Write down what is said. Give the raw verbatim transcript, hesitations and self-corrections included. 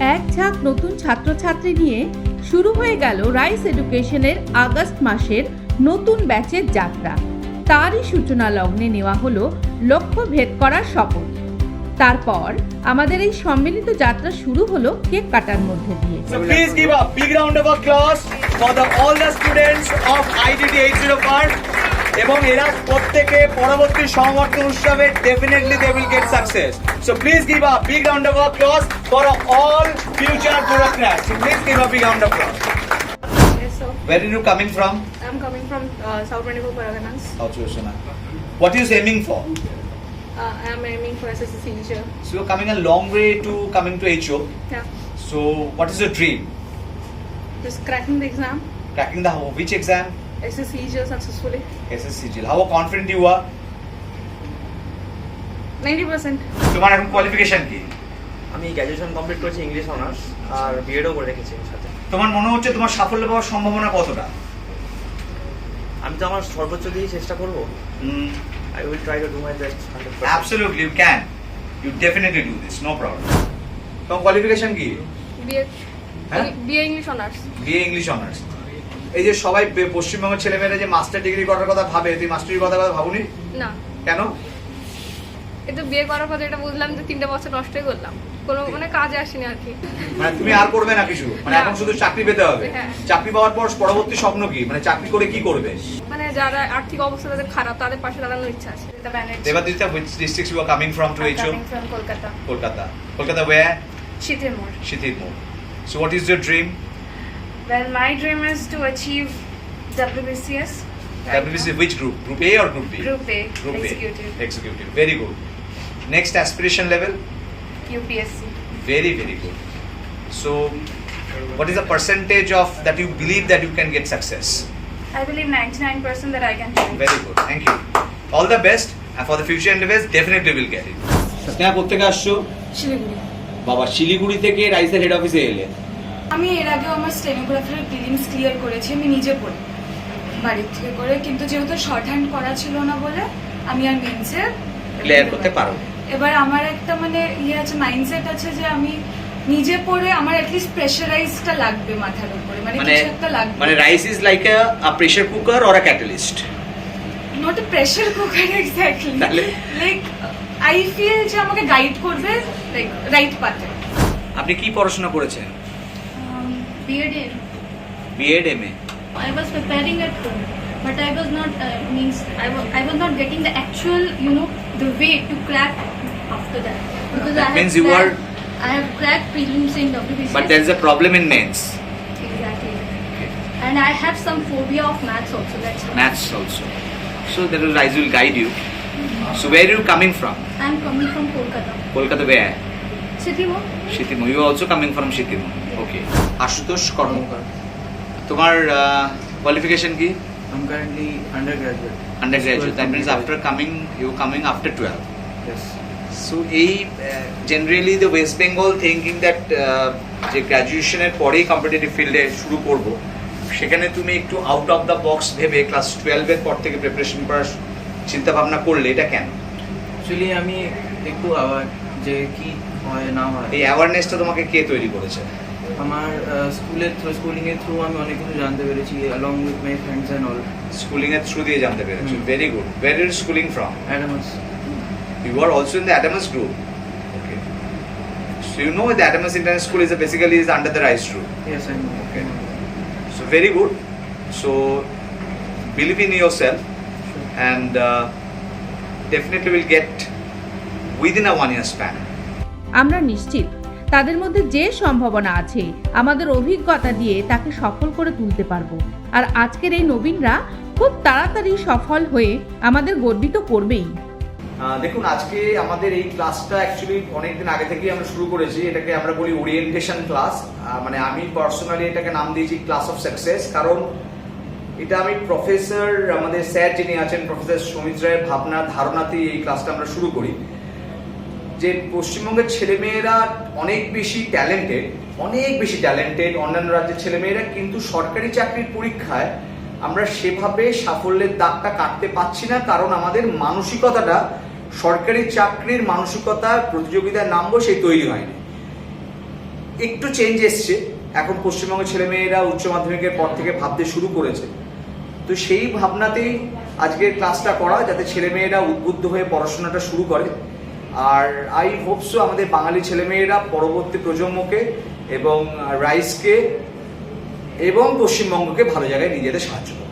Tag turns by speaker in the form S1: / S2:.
S1: এক ঝাঁক নতুন ছাত্রছাত্রী নিয়ে শুরু হয়ে গেল রাইস এডুকেশনের আগস্ট মাসের নতুন ব্যাচের যাত্রা। তারই সূচনা লগ্নে নেওয়া হলো লক্ষ্য ভেদ করার শপথ। তারপর আমাদের এই সম্মিলিত যাত্রা শুরু হলো কেক কাটার মধ্যে দিয়ে।
S2: So please give a big round of applause for the all the students of I D T eight oh five এবং এরা প্রত্যেকে পরবর্তী সমাবর্তন উৎসবে definitely they will get success. So please give a big round of applause for all future bureaucrats. So please give a big round of applause.
S3: Yes, sir.
S2: Where are you coming from?
S3: I'm coming from uh, South twenty-four Paraganas.
S2: South Sushana. What are you aiming for?
S3: Uh, I'm aiming for S S C teacher.
S2: So you're coming a long way to coming to H O.
S3: Yeah.
S2: So what is your dream?
S3: Just cracking the exam.
S2: Cracking the which exam?
S3: S S C teacher successfully.
S2: S S C G L. How confident you are?
S3: ninety percent.
S2: তোমার এখন qualification কি?
S4: আমি graduation complete করেছি English honours আর বিএডও করে রেখেছি এর সাথে।
S2: তোমার মনে হচ্ছে তোমার সাফল্য পাওয়ার সম্ভাবনা কতটা?
S4: আমি তো আমার সর্বোচ্চ দিয়ে চেষ্টা করব। I will try to do my best one hundred percent.
S2: Absolutely, you can. You definitely do this, no problem. তোমার কোয়ালিফিকেশন কি?
S3: B A.
S2: হ্যাঁ?
S3: B A English honors.
S2: B A English honours. এই যে সবাই বে- পশ্চিমবঙ্গের ছেলেমেয়েরা যে মাস্টার ডিগ্রি করার কথা ভাবে, তুই মাস্টার ডিগ্রি কথা কথা ভাবুনি?
S3: না,
S2: কেন?
S3: এটা বিয়ে করার পর এটা বুঝলাম যে তিনটা বছর নষ্টই করলাম, কোনো মানে কাজে আসেনি আর কি।
S2: মানে তুমি আর করবে না কিছু? মানে
S3: না।
S2: এখন শুধু চাকরি পেতে হবে।
S3: হ্যাঁ।
S2: চাকরি পাওয়ার পর পরবর্তী স্বপ্ন কি? মানে চাকরি করে কি করবে?
S3: মানে যারা আর্থিক অবস্থা তাদের খারাপ, তাদের পাশে দাঁড়ানোর ইচ্ছা আছে।
S2: দেবাদিতা, which districts you are coming from to H O?
S3: from Kolkata.
S2: Kolkata. Kolkata where?
S3: Chitimur.
S2: Shithirmur. So what is your dream?
S3: Well, my dream is to achieve W B C S.
S2: W B C which group? Group A or Group B?
S3: Group A,
S2: Group
S3: executive.
S2: A. Executive. Very good. Next aspiration level?
S3: U P S C.
S2: Very, very good. So, what is the percentage of that you believe that you can get success?
S3: I believe ninety-nine percent that I can do it.
S2: Very good. Thank you. All the best. And for the future endeavors, definitely will get it. Sneha কোথেকে আসছো?
S5: শিলিগুড়ি।
S2: বাবা, শিলিগুড়ি থেকে রাইসের head অফিসে এলে।
S5: আমি এর আগেও আমার স্টেনোগ্রাফির প্রিলিমস ক্লিয়ার করেছি আমি নিজে পড়ে বাড়ির থেকে করে, কিন্তু যেহেতু শর্ট হ্যান্ড করা ছিল না বলে আমি আর মেন্সে
S2: ক্লিয়ার করতে পারো।
S5: এবার আমার একটা মানে ইয়ে আছে, মাইন্ডসেট আছে যে আমি নিজে পড়ে আমার অ্যাটলিস্ট প্রেশারাইজটা লাগবে মাথার উপরে, মানে
S2: মানে
S5: কিছু একটা লাগবে।
S2: মানে rice is like a pressure cooker or a catalyst.
S5: Not a pressure cooker exactly,
S2: তাহলে?
S5: লাইক আই ফিল যে আমাকে গাইড করবে লাইক রাইট পাথে।
S2: আপনি কি পড়াশোনা করেছেন?
S6: B Ed.
S2: BEd MA.
S6: I was preparing at home, but I was not uh, means I was I was not getting the actual you know the way to crack after that because
S2: That
S6: I have
S2: means you
S6: cracked,
S2: were-
S6: I have cracked prelims in W B C S.
S2: But there is a problem in mains.
S6: Exactly, and I have some phobia of maths also. That's why
S2: Maths also. So that will Rise will guide you. So where are you coming from?
S6: I am coming from Kolkata.
S2: Kolkata where?
S6: City Walk.
S2: Shitimo. You are also coming from Shitimo. Okay. Ashutosh Karmakar. তোমার qualification কি?
S4: I'm currently undergraduate.
S2: Undergraduate. That means after coming, you coming after twelve.
S4: Yes.
S2: So এই generally the West Bengal thinking that যে গ্র্যাজুয়েশনের পরেই competitive ফিল্ডে শুরু করব, সেখানে তুমি একটু আউট অফ দ্য বক্স ভেবে ক্লাস টুয়েলভের পর থেকে প্রিপারেশন করার চিন্তা ভাবনা করলে, এটা কেন?
S4: অ্যাকচুয়ালি আমি একটু আবার যে কি হয় না হয়
S2: এই অ্যাওয়ারনেসটা তোমাকে কে তৈরি করেছে?
S4: আমার স্কুলের থ্রু স্কুলিং এর থ্রু আমি অনেক কিছু জানতে পেরেছি along with my friends and all.
S2: Schooling এর থ্রু দিয়ে জানতে পেরেছো।
S4: Hmm.
S2: Very good. Where are you schooling from?
S4: Adamas.
S2: You are also in the Adamas group. Okay. So you know the Adamas International School is a basically is under the RISE group.
S4: Yes, I know.
S2: Okay. So very good. So believe in yourself and uh, definitely will get within a one year span.
S1: আমরা নিশ্চিত তাদের মধ্যে যে সম্ভাবনা আছে আমাদের অভিজ্ঞতা দিয়ে তাকে সফল করে তুলতে পারবো। আর আজকের এই নবীনরা খুব তাড়াতাড়ি সফল হয়ে আমাদের গর্বিত করবেই।
S2: দেখুন, আজকে আমাদের এই ক্লাসটা অ্যাকচুয়ালি অনেকদিন আগে থেকেই আমরা শুরু করেছি। এটাকে আমরা বলি ওরিয়েন্টেশন ক্লাস। মানে আমি পার্সোনালি এটাকে নাম দিয়েছি ক্লাস অফ সাকসেস, কারণ এটা আমি প্রফেসর আমাদের স্যার যিনি আছেন প্রফেসর সমিত রায়ের ভাবনা ধারণাতেই এই ক্লাসটা আমরা শুরু করি। যে পশ্চিমবঙ্গের ছেলেমেয়েরা অনেক বেশি ট্যালেন্টেড, অনেক বেশি ট্যালেন্টেড অন্যান্য রাজ্যের ছেলেমেয়েরা, কিন্তু সরকারি চাকরির পরীক্ষায় আমরা সেভাবে সাফল্যের দাগটা কাটতে পারছি না, কারণ আমাদের মানসিকতাটা সরকারি চাকরির মানসিকতা প্রতিযোগিতায় নামবো সেই তৈরি হয়নি। একটু চেঞ্জ এসছে, এখন পশ্চিমবঙ্গের ছেলেমেয়েরা উচ্চ মাধ্যমিকের পর থেকে ভাবতে শুরু করেছে। তো সেই ভাবনাতেই আজকের ক্লাসটা করা, যাতে ছেলেমেয়েরা উদ্বুদ্ধ হয়ে পড়াশোনাটা শুরু করে। আর আই হোপসো আমাদের বাঙালি ছেলেমেয়েরা পরবর্তী প্রজন্মকে এবং রাইসকে এবং পশ্চিমবঙ্গকে ভালো জায়গায় নিয়ে যেতে সাহায্য করে।